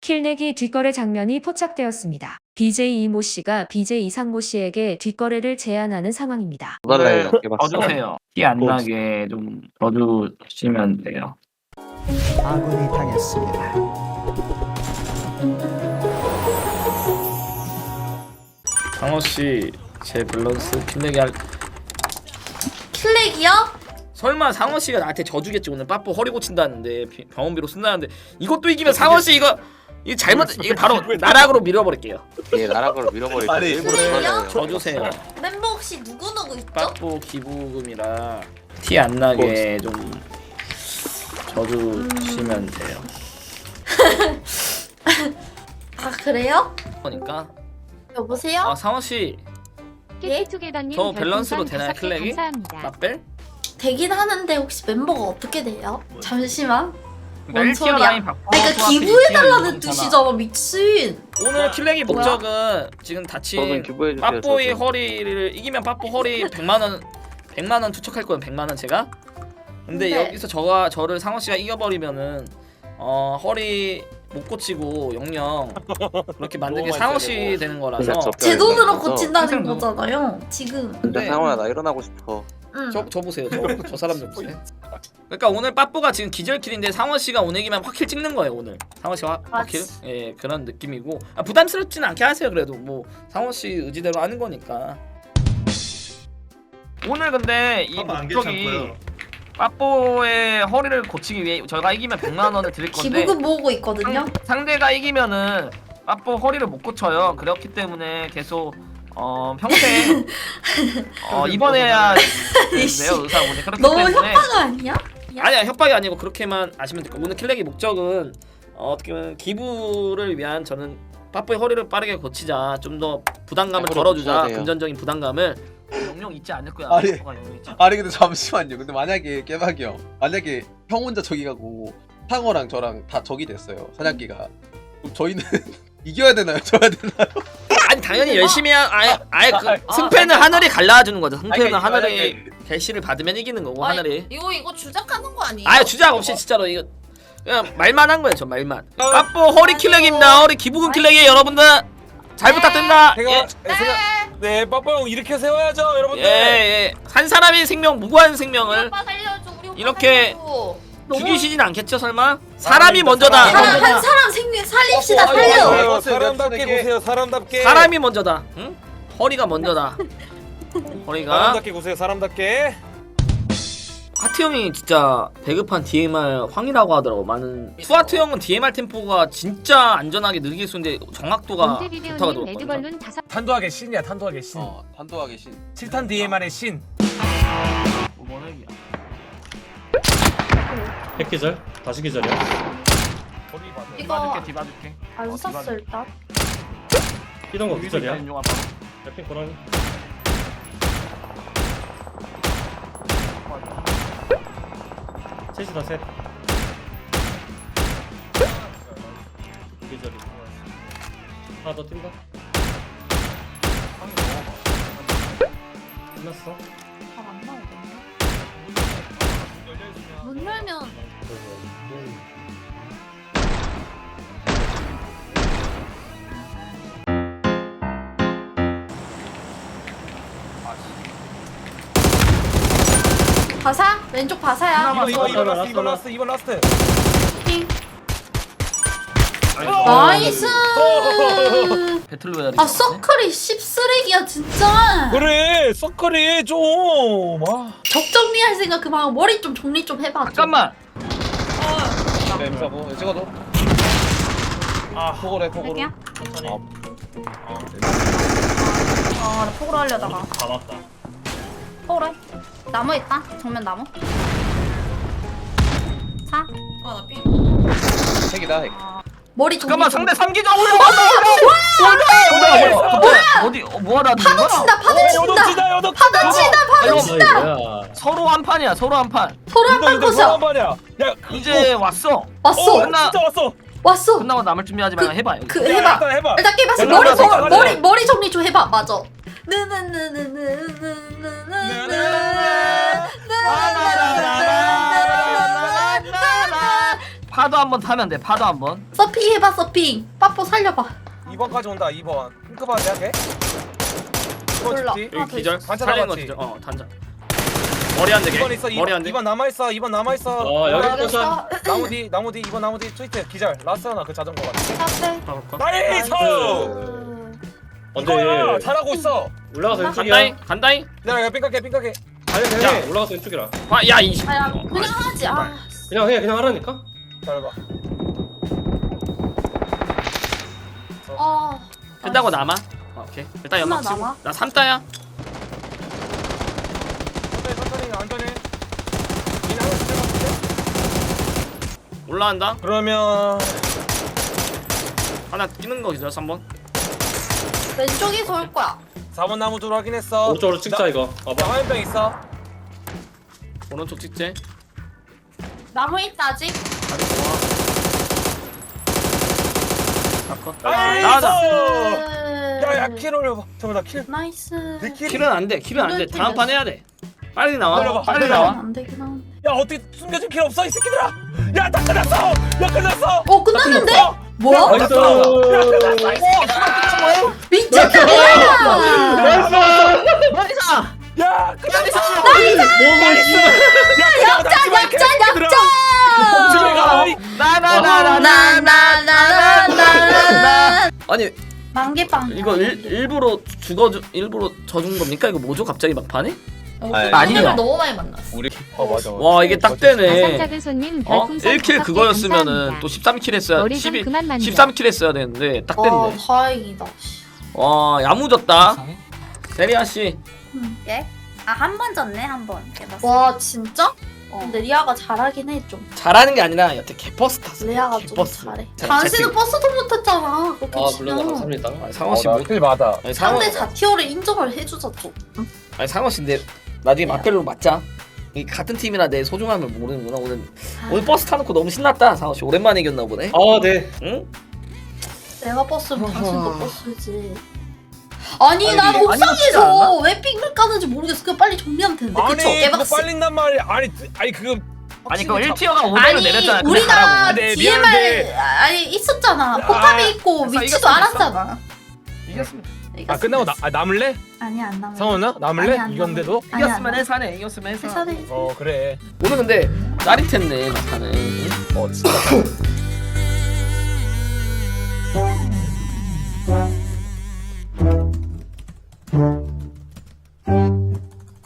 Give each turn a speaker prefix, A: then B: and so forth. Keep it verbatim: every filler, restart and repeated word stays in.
A: 킬내기 뒷거래 장면이 포착되었습니다. 비제이 이모 씨가 비제이 이상모 씨에게 뒷거래를 제안하는 상황입니다.
B: 오늘
C: 네,
B: 져주세요. 티 안 나게 좀 져주시면 돼요.
D: 아군이 당했습니다.
B: 상호씨 제 밸런스 킬내기 할
E: 킬렉이요?
B: 설마 상호씨가 나한테 져주겠지. 오늘 빠뽀 허리 고친다는데 비- 병원비로 쓴다는데 이것도 이기면 상호씨 이거 이거 잘못 이거 바로 나락으로 밀어버릴게요.
C: 예, 나락으로 밀어버릴게요.
F: 아니,
C: 일부러
E: 킬렉이요?
C: 밀어버려요.
B: 져주세요.
E: 멤버 혹시 누구누구 있죠?
B: 빠뽀 기부금이라 티 안 나게 좀 져주시면 돼요.
E: 아 그래요?
B: 그러니까
E: 여보세요?
B: 아 상호씨
E: 예?
B: 저 밸런스로 되나요 클렉이? 나뺄?
E: 되긴 하는데 혹시 멤버가 어떻게 돼요? 잠시만. 뭔
B: 일 티어
E: 소리야?
B: 라인 바꿔
E: 아니 그러니까 기부해달라는 뜻이잖아 미친.
B: 오늘 킬렉이
E: 뭐야?
B: 목적은 지금
C: 저는
B: 다친
C: 기부해주세요.
B: 빠뽀의
C: 저도.
B: 허리를 이기면 빠뽀 허리 백만 원 백만 원 투척할 거예요. 백만 원 제가. 근데
E: 네.
B: 여기서 저가 저를 상호 씨가 이겨버리면은 어 허리 못 고치고 영영 그렇게 만든 게
F: 너무
B: 상호
F: 많이
B: 씨
F: 세고.
B: 되는 거라서
C: 그냥 저
E: 제 돈으로
C: 그래서
E: 고친다는
B: 항상
E: 거잖아요 지금.
C: 근데
B: 네.
C: 상호야 나 일어나고 싶어.
E: 응.
B: 저, 저 보세요. 저, 저 사람 좀 보세요. 그러니까 오늘 빠뽀가 지금 기절킬인데 상호 씨가 오늘 이기면 확킬 찍는 거예요. 오늘 상호 씨가 확- 확킬?
E: 맞지.
B: 예 그런 느낌이고 아, 부담스럽지는 않게 하세요. 그래도 뭐 상호 씨 의지대로 하는 거니까. 오늘 근데 이
F: 빠빠 안
B: 목적이
F: 괜찮고요.
B: 빠뽀의 허리를 고치기 위해 저희가 이기면 백만 원을 드릴 건데
E: 기부금 모으고 있거든요.
B: 상, 상대가 이기면은 빠뽀 허리를 못 고쳐요. 그렇기 때문에 계속 어 평생 어 입원해야 돼요 의사분이. 그렇기
E: 너무
B: 때문에
E: 협박 아니야?
B: 아니야 협박이 아니고 그렇게만 아시면 될거. 오늘 킬렉의 목적은 어, 어떻게 보면 기부를 위한 저는 빠뽀의 허리를 빠르게 고치자, 좀 더 부담감을
C: 빠뽀를
B: 덜어주자,
C: 고쳐야 돼요.
B: 금전적인 부담감을. 영영 잊지 않을 거야.
F: 아니.
B: 빠뽀가 영영 잊지 않을
F: 아니 근데 잠시만요. 근데 만약에 깨박이 형, 만약에 형 혼자 저기 가고 상어랑 저랑 다 적이 됐어요. 사냥기가. 그럼 저희는 이겨야 되나요? 져야 되나요?
B: 거야. 아니 당연히 열심히 한 아예 아예 그
F: 아,
B: 승패는 하늘이 갈라주는 거죠. 승패는
F: 아니, 그러니까
B: 하늘이
F: 만약에-
B: 결실을 받으면 이기는 거고
G: 아니,
B: 하늘이.
G: 이거 이거 주작하는 거 아니에요?
B: 아예 주작 없이 진짜로 이거 그냥 말만 한 거예요. 저 말만. 빠뽀 허리 킬렉입니다. 허리 기부금 킬렉이에요 여러분들. 잘 부탁드립니다.
F: 제가
B: 예.
F: 제가 네 빠빠 형 이렇게 세워야죠 여러분들.
B: 예, 예. 한 사람의 생명, 무고한
G: 우리
B: 생명을
G: 오빠 살려줘. 우리 오빠
B: 이렇게
G: 살려줘.
B: 죽이시진 않겠죠 설마? 사람이 먼저다.
F: 사람.
E: 사람 한 사람 생명 살립시다
F: 어, 어,
E: 살려.
F: 어, 어, 어, 사람답게 보세요. 사람답게.
B: 사람이 먼저다. 응? 허리가 먼저다. 허리가.
F: 사람답게 보세요. 사람답게.
B: 하트 형이 진짜 배급한 디엠알 황이라고 하더라고. 많은 투하트 형은 디엠알 템포가 진짜 안전하게 느리게 쏘는데 정확도가 좋다고 들었거든요.
H: 탄도하게 신이야. 탄도하게 신.
F: 어, 탄도하게 신.
H: 칠 탄 디엠알의 신.
I: 핵기절? 다시 기절이야?
G: 이거
B: 뒤봐줄게.
E: 안 샀어 일단.
I: 이동 거 기절이야?
B: 인용 아빠.
I: 해핑 고라니? 셋이다 셋 기절이 하나 더 뛴다 끝났어
G: 잘안 나오거든요. 문 열면
E: 바사? 왼쪽 바사야.
F: 이번 이번 이번
I: 라스트,
F: 라스트 이번 라스트 이번 라스트.
E: 나이스.
B: 배틀로얄이.
E: 아 서클이 씹쓰레기야 진짜.
F: 그래 서클이 좀. 아.
E: 적 정리할 생각 그만. 머리 좀 정리 좀 해봐. 좀.
B: 잠깐만.
F: 네, 무사고 찍어도. 아 포고래 포고로.
G: 할게요.
I: 천천히
G: 아나 폭으로 하려다가
I: 다 맞다
G: 폭으로 해. 나무 있다. 정면 나무. 사. 아나 삥.
F: 핵이다 핵.
E: 머리 정리.
B: 잠깐만
E: 좀.
B: 상대 삼기자 올라왔다. 올라왔다. 뭐야? 어디 어, 뭐하다 하는 거야?
E: 친다 파도 친다.
F: 여덕지다 여덕.
E: 파도 친다 파도
B: 이거
E: 친다.
I: 뭐야
B: 서로 한 판이야. 서로 한 판.
E: 서로 한판 거셔.
F: 말이야. 야
B: 이제 왔어.
E: 왔어
F: 어,
B: 끝나-
F: 진짜 왔어.
E: 왔어.
B: 끝나고 남을 준비하지 말고 해봐. 여기.
E: 그
F: 야,
E: 해봐.
F: 일단 해봐.
E: 일단 깨봤어.
F: 야,
E: 머리
F: 맞아,
E: 정
F: 맞아.
E: 머리 머리 정리 좀 해봐. 맞아.
B: 파도 한번 타면 돼. 파도 한번.
E: 서핑 해봐 서핑. 빠뽀 살려봐.
H: 이 번까지 온다. 이 번. 핑크바 내가 해?
E: 몰라.
H: 이
B: 여기 기절.
H: 단자
B: 살리는 거
H: 남았지?
B: 기절. 어 단자. 머리 안 되게.
H: 번 있어.
B: 머리 안 돼.
H: 이 번 남아 있어. 이 번 남아 있어.
I: 어 여기 포션.
E: 알겠어.
H: 나무 뒤 나무 뒤 이 번 나무 뒤 트위트 기절. 라스트 하나 그 자전거 같아.
E: 앞에.
H: 나이스!
I: 언제
H: 이거야 잘하고 있어.
I: 올라가서 왼쪽이야.
B: 간다잉. 간다잉.
H: 기다려 삥깎게 삥깎게.
I: 아니 그냥
B: 야.
I: 해. 올라가서 왼쪽이라.
B: 아, 야 이.
E: 아야
B: 어,
E: 그냥 하지. 아.
I: 그냥 해 그냥 하라니까.
H: 기다려봐.
E: 아.
B: 끝나고 남아. 어, 오케이. 일단 연막
E: 끝나
B: 치고.
E: 남아?
B: 나 삼 따야.
H: 천천히 천천히 안전해. 니는 하나 진짜 같은데?
B: 올라간다.
H: 그러면
B: 하나 뛰는 거 기절 삼 번.
E: 왼쪽에서 올 거야.
H: 사 번 나무 줄 확인했어.
I: 오른쪽으로 찍자 이거.
H: 나
I: 봐봐.
H: 화염병 있어.
B: 오른쪽 찍재.
E: 나무 있다 아직.
B: 다리 좋아. 컷.
H: 나이스!
B: 나가자.
H: 야야 킬 올려봐. 잠깐만 나 킬.
E: 나이스.
H: 내 킬.
B: 킬은 안 돼. 킬은 안 돼.
E: 킬은
B: 다음 판 해야 돼. 빨리 나와.
H: 기다려봐.
B: 빨리
H: 기다려봐.
B: 나와.
E: 안 되긴 하는데.
H: 야 어떻게 숨겨진 킬 없어 이 새끼들아. 야다 끝났어. 야 끝났어.
E: 어 끝났는데? 뭐야?
I: 나이스.
E: 미쳤다.
H: 야 끝났어.
I: 뭐가 있어?
E: 역전 역전 역전.
H: 집에 가.
E: 나나나나나나나.
B: 아니
E: 만개빵.
B: 이거 일, 일부러 죽어 일부러 져준 겁니까? 이거 뭐죠? 갑자기 막판에?
C: 아니,
B: 아니야.
E: 너무 많이 만났어.
C: 우리
H: 어 맞아.
B: 와 이게 딱 되네.
J: 작은 손님
B: 어?
J: 별풍선
B: 일 킬
J: 다섯 개
B: 그거였으면은
J: 감사합니다.
B: 또 십삼 킬 했어야
J: 머리 좀
B: 십이,
J: 그만 만져.
B: 십삼 킬 했어야 되는데 딱
E: 아
B: 됐네.
E: 다행이다.
B: 와 야무졌다. 세리아 씨.
G: 예? 아 한 번 졌네 한 번.
E: 와 진짜?
G: 어.
E: 근데 리아가 잘하긴 해 좀.
B: 잘하는 게 아니라 여태 개버스 탔어.
E: 리아가 좀
B: 개버스.
E: 잘해.
B: 자,
E: 당신은
B: 채팅.
E: 버스도 못 탔잖아. 그렇게
I: 아
E: 치면.
I: 물론 감사합니다.
B: 아니, 상원 씨 뭐?
H: 킬 맞아.
B: 아니 상원
E: 상대 자티어를 인정을 해주자 좀.
B: 아니 상원 씨인데 나중에 막별로 맞자. 이 같은 팀이라 내 소중함을 모르는구나 오늘. 오늘 버스 타놓고 너무 신났다 상원 씨. 오랜만에 이겼나 보네.
I: 아 네.
B: 응?
E: 내가 버스면
B: 어허.
E: 당신도 버스지. 아니
B: 아니,
E: 난
B: 이게 아니었지
E: 옥상에서
B: 않나?
E: 왜 삑을 까는지 모르겠어. 그냥 빨리 정리하면 되는데.
H: 아니
E: 그쵸?
H: 그거
E: 개박스.
H: 빨린단 말이야. 아니 아니 그거
B: 아니 그거 일 티어가 오백으로
E: 아니
B: 내렸잖아. 근데
E: 우리가
B: 가라고.
H: 네,
E: 디엠알
H: 미안한데.
E: 아니 있었잖아.
H: 아,
E: 포탑이 있고
B: 됐어,
E: 위치도
B: 이겼어,
E: 알았잖아.
B: 이겼습니다.
H: 아 끝나고 나 아, 남을래?
E: 아니 안 남아.
H: 상원아 남을래?
E: 아니, 안
H: 이겼는데도?
E: 아니, 안
B: 이겼으면
E: 남아.
B: 해사네. 이겼으면 해사.
E: 회사네.
H: 어 그래.
B: 오늘 근데 짜릿했네 막판에.
H: 어 진짜.